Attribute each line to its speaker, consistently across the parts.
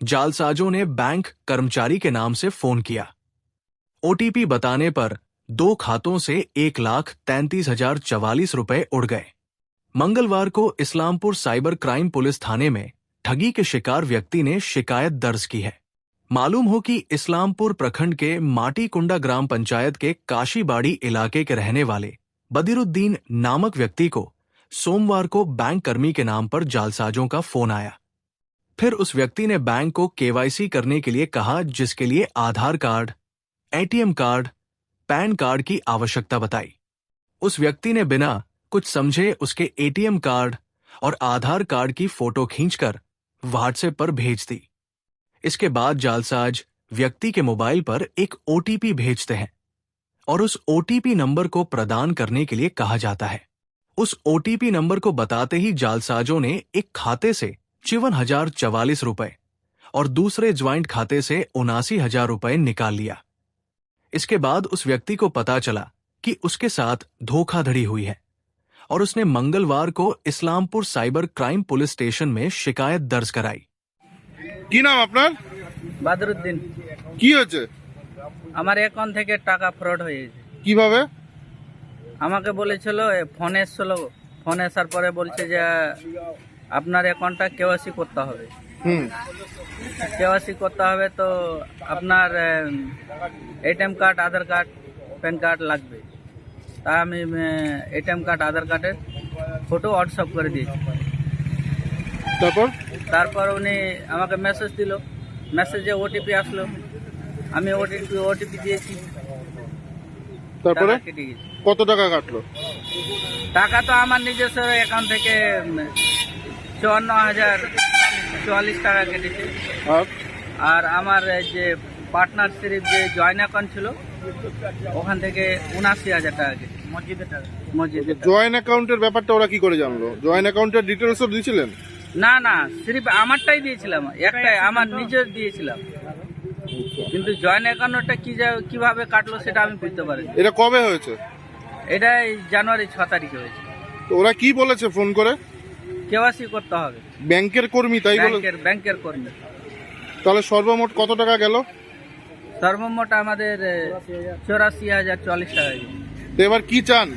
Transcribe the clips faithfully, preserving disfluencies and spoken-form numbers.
Speaker 1: जालसाजों ने बैंक कर्मचारी के नाम से फोन किया। ओटीपी बताने पर दो खातों से एक लाख तैंतीस हजार चवालीस रुपए उड़ गए। मंगलवार को इस्लामपुर साइबर क्राइम पुलिस थाने में ठगी के शिकार व्यक्ति ने शिकायत दर्ज की है। मालूम हो कि इस्लामपुर प्रखंड के माटीकुंडा ग्राम पंचायत के काशीबाड़ी इलाके के रहने वाले बदिरुद्दीन नामक व्यक्ति को सोमवार को बैंक कर्मी के नाम पर जालसाजों का फोन आया। फिर उस व्यक्ति ने बैंक को केवाईसी करने के लिए कहा, जिसके लिए Aadhaar card, ATM card, PAN card की आवश्यकता बताई। उस व्यक्ति ने बिना कुछ समझे उसके एटीएम कार्ड और आधार कार्ड की फोटो खींचकर व्हाट्सएप पर भेज दी। इसके बाद जालसाज व्यक्ति के मोबाइल पर एक ओटीपी भेजते हैं और उस ओटीपी नंबर को प्रदान करने के लिए कहा जाता है। उस ओटीपी नंबर को बताते ही जालसाजों ने एक खाते से चौवन हजार चवालीस रुपए और दूसरे ज्वाइंट खाते से उनासी हजार रुपए निकाल लिया। इसके बाद उस व्यक्ति को पता चला कि उसके साथ धोखाधड़ी हुई है और उसने मंगलवार को Islampur cyber crime police station में शिकायत दर्ज कराई।
Speaker 2: কি নাম আপনার?
Speaker 3: বাদরুদ্দিন।
Speaker 2: কি হয়েছে?
Speaker 3: আমার অ্যাকাউন্ট থেকে টাকা ফ্রড হয়ে গেছে।
Speaker 2: কিভাবে?
Speaker 3: আমাকে বলেছিল ফোন এসেছিল, ফোন আসার পরে বলছে যে আপনার অ্যাকাউন্টটা কেওয়াইসি করতে হবে।
Speaker 2: হুম
Speaker 3: কেওয়াইসি করতে হবে তো আপনার ATM card, Aadhaar card, PAN card লাগবে। তা আমি এটিএম কার্ড, আধার কার্ডের ফটো হোয়াটসঅ্যাপ করে দিয়েছি।
Speaker 2: তারপর
Speaker 3: তারপর উনি আমাকে মেসেজ দিল, মেসেজে ওটিপি আসলো, আমি ওটিপি ওটিপি দিয়েছি।
Speaker 2: তারপরে
Speaker 3: টাকা কেটে গেছে।
Speaker 2: কত টাকা কাটলো?
Speaker 3: টাকা তো আমার নিজস্ব অ্যাকাউন্ট থেকে চুয়ান্ন হাজার চুয়াল্লিশ টাকা কেটেছে।
Speaker 2: আর
Speaker 3: আর আমার যে পার্টনারশিপ যে জয়েন্ট অ্যাকাউন্ট ছিল ওখান থেকে উনাশি হাজার টাকা কেটেছে। মসজিদের টাকা, মসজিদের টাকা।
Speaker 2: জয়েন্ট অ্যাকাউন্টের ব্যাপারটা ওরা কি করে জানলো? জয়েন্ট অ্যাকাউন্টের ডিটেলসও দিয়েছিলেন?
Speaker 3: না না, সিরিফ আমারটাই দিয়েছিলাম, একটাই আমার নিজের দিয়েছিলাম, কিন্তু জয়েন্ট অ্যাকাউন্টটা কি কিভাবে কাটলো সেটা আমি বুঝতে পারিনি।
Speaker 2: এটা কবে হয়েছে?
Speaker 3: এটা জানুয়ারি ছ তারিখে হয়েছে।
Speaker 2: তো ওরা কি বলেছে ফোন করে?
Speaker 3: কেওয়াইসি করতে হবে।
Speaker 2: ব্যাংকের কর্মী তাই বলে?
Speaker 3: ব্যাংকের ব্যাংকের কর্মী।
Speaker 2: তাহলে সর্বমোট কত টাকা গেল?
Speaker 3: সর্বমোট আমাদের চৌরাশি হাজার চল্লিশ টাকা।
Speaker 2: তো এবার কি চান?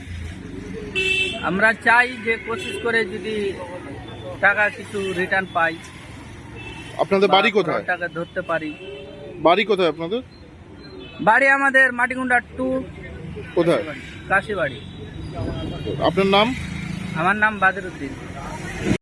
Speaker 3: আমরা চাই যে কোশিশ করে যদি টাকা কিছু রিটার্ন পাই।
Speaker 2: আপনাদের বাড়ি কোথায়?
Speaker 3: টাকা ধরতে পারি।
Speaker 2: বাড়ি কোথায় আপনাদের?
Speaker 3: বাড়ি আমাদের মাটিকুন্ডা টু।
Speaker 2: কোথায়?
Speaker 3: কাশিবাড়ি।
Speaker 2: আপনার নাম?
Speaker 3: আমার নাম বাদরুদ্দিন।